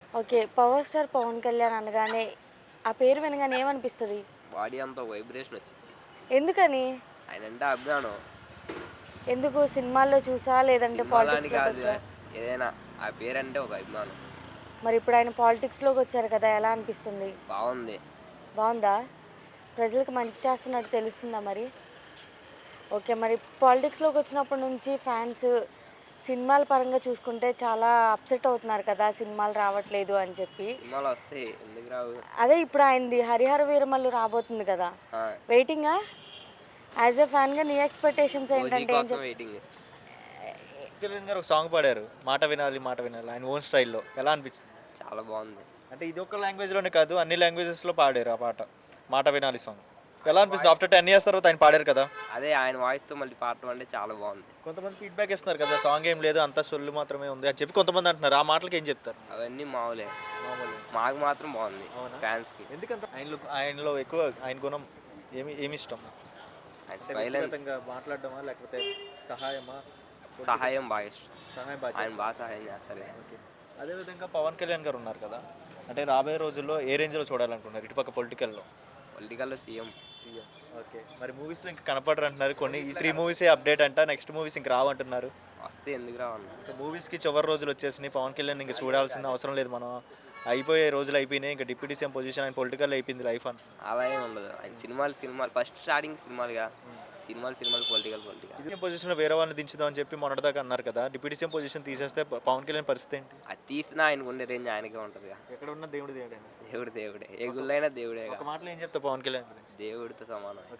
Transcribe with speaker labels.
Speaker 1: Okay. 'Power star Pawan Kalyan' అనగానే ఆ పేరు వినగానే ఏమనిపిస్తది?
Speaker 2: బాడీ అంతా వైబ్రేషన్ వచ్చింది.
Speaker 1: ఎందుకని?
Speaker 2: ఆయనంటే అభిమానం.
Speaker 1: ఎందుకు సినిమాల్లో చూసా? లేదంటే
Speaker 2: సినిమాలో అని కాదు,
Speaker 1: పాలిటిక్స్‌లోకొచ్చా?
Speaker 2: ఏదైనా ఆ పేరంటే ఒక అభిమానం.
Speaker 1: మరిప్పుడు ఆయన పాలిటిక్స్‌లోకొచ్చారు కదా! ఎలా అనిపిస్తుంది?
Speaker 2: బాగుంది.
Speaker 1: బావుందా? ప్రజలకు మంచి చేస్తున్నట్టు తెలుస్తుందా మరి? ఓకే. మరి పాలిటిక్స్‌లోకొచ్చినప్పటి నుంచి ఫ్యాన్స్ సినిమాల పరంగా చూసుకుంటే చాలా అప్సెట్ అవుతున్నారు కదా! సినిమాలు రావట్లేదు అని చెప్పి.
Speaker 2: సినిమాలు వస్తాయి, ఎందుకు రావు?
Speaker 1: అదే ఇప్పుడు ఆయనది 'హరిహర వీరమల్లు' రాబోతుంది కదా!
Speaker 2: ఆ,
Speaker 1: వెయిటింగా? యాజ్ ఎ ఫ్యాన్‌గా నీ ఎక్స్‌పెక్టేషన్స్
Speaker 2: ఓజీ
Speaker 1: ఏంటంటే ఏం
Speaker 2: కోసం
Speaker 1: చెప్
Speaker 2: వెయిటింగ్.
Speaker 3: కళ్యాణ్ గారు ఒక సాంగ్ పాడారు. 'మాట వినాలి మాట వినాలి' ఆయన ఓన్ స్టైల్‌లో. ఎలా అనిపించింది?
Speaker 2: చాలా బాగుంది.
Speaker 3: అంటే ఇది ఒక్క లాంగ్వేజ్‌లోనే కాదు అన్ని లాంగ్వేజెస్‌లో పాడారు ఆ పాట. 'మాట వినాలి' సాంగ్. ఎలా అనిపిస్తుంది? ఆఫ్టర్ 10 ఇయర్స్ తర్వాత ఆయన పాడారు కదా!
Speaker 2: అదే ఆయన వాయిస్తో మళ్ళీ పాడటం అంటే చాలా బాగుంది.
Speaker 3: కొంతమంది ఫీడ్‌బ్యాక్ ఇస్తున్నారు కదా! సాంగ్ ఏం లేదు అంతా సొల్లు మాత్రమే ఉంది అని చెప్పి కొంతమంది అంటున్నారు. ఆ మాటలకి ఏం చెప్తారు?
Speaker 2: అవన్నీ మామూలే.
Speaker 3: మామూలే.
Speaker 2: మాకు మాత్రం బాగుంది.
Speaker 3: అవునా?
Speaker 2: ఫ్యాన్స్కి.
Speaker 3: ఎందుకంత ఆయనలో ఎక్కువ ఆయన గుణం ఏమి ఇష్టం?
Speaker 2: ఆయన
Speaker 3: అంటే
Speaker 2: స్మైల్
Speaker 3: వ్యక్తిగతంగా మాట్లాడడమా లేకపోతే సహాయమా?
Speaker 2: సహాయం బాగా ఇష్టం.
Speaker 3: సహాయం బాగా
Speaker 2: ఆయన బాగా సహాయం చేస్తారు.
Speaker 3: ఓకే. అదేవిధంగా పవన్ కళ్యాణ్ గారు ఉన్నారు కదా! అంటే రాబోయే రోజుల్లో ఏ రేంజ్‌లో చూడాలనుకుంటున్నారు ఇటుపక్క పొలిటికల్‌లో?
Speaker 2: పొలిటికల్లో సీఎం.
Speaker 3: సీఎం. ఓకే. మరి మూవీస్‌లో ఇంకా కనపడరు అంటున్నారు. కొన్ని ఈ 3 మూవీసే అప్డేట్ అంట. నెక్స్ట్ మూవీస్ ఇంక రావంటున్నారు.
Speaker 2: వస్తే ఎందుకు రావన్నా.
Speaker 3: ఇంకా మూవీస్‌కి చివరి రోజులు వచ్చేసినాయి. పవన్ కళ్యాణ్ ఇంక చూడాల్సిన అవసరం లేదు మనం. అయిపోయే రోజులు అయిపోయినాయి. ఇంకా డిప్యూటీ సీఎం పొజిషన్ ఆయన పొలిటికల్ అయిపోయింది లైఫ్ అంటున్నారు.
Speaker 2: అలా ఏమి ఉండదు. ఆయన సినిమాలు ఫస్ట్ స్టార్టింగ్ సినిమాలుగా, సినిమాలు పొలిటికల్.
Speaker 3: ఇదే పొజిషన్‌లో వేరే వాళ్ళని దించుదాం అని చెప్పి మొన్నటిదాకా అన్నారు కదా! డిప్యూటీ సీఎం పొజిషన్ తీసేస్తే పవన్ కళ్యాణ్ పరిస్థితి ఏంటి?
Speaker 2: అది తీసినా ఆయనకు ఉండే రేంజ్ ఆయనకే ఉంటుందిగా.
Speaker 3: ఎక్కడ ఉన్న దేవుడే.
Speaker 2: దేవుడే. ఏ గుళ్ళైనా దేవుడేగా.
Speaker 3: ఒక మాటలో ఏం చెప్తావు పవన్ కళ్యాణ్ గురించి?
Speaker 2: దేవుడితో సమానం.